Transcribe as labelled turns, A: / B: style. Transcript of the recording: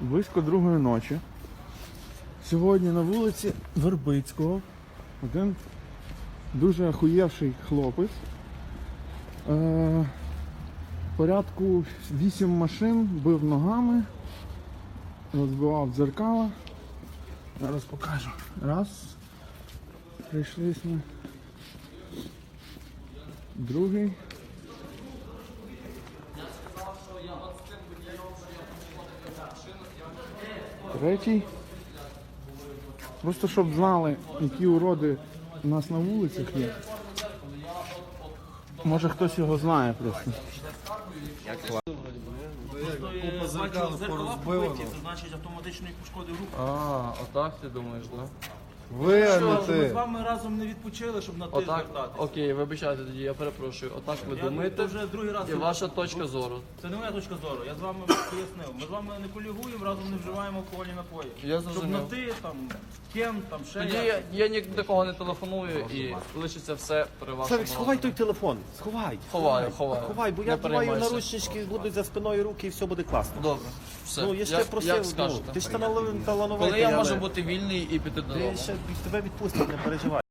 A: Близько 2-ї ночі. Сьогодні на вулиці Вербицького один дуже охуєвший хлопець. Порядку 8 машин бив ногами, розбивав дзеркала. Зараз покажу. Раз. Прийшлись ми. Другий. Третій. Просто щоб знали, які уроди у нас на вулицях є. Може хтось його знає просто.
B: Купа зеркал порозбивано.
C: Це значить автоматично їх пошкодив руку.
B: А, отак ти думаєш, так?
A: Ви, а не
C: Що, ми з
A: ти.
C: вами разом не відпочили, щоб на ти
B: Отак,
C: звертатися.
B: окей, вибачайте тоді, я перепрошую. Отак ви
C: Я
B: думаєте,
C: вже другий раз
B: і ваша точка зору.
C: Це не моя точка зору, я з вами пояснив. Ми з вами не колігуємо, разом не вживаємо алкогольні напої.
B: Я
C: Щоб
B: зрозумів.
C: на ти, там, кем, там, ще
B: Тоді я ні до кого не телефоную і лишиться все при вашому
D: Савік, сховай той
B: розгляді.
D: телефон. Сховай.
B: Ховаю.
D: Ховай, бо
B: Не
D: я тримаю
B: переймайся.
D: наручнички, будуть за спиною руки і все буде класно.
B: Добре, все.
D: Ну, я ж тебе просив,
B: як скажете.
D: ти ж талановитий.
B: Коли я можу бути вільний і піти додому?
D: Ти ще тебе відпустять, не переживай.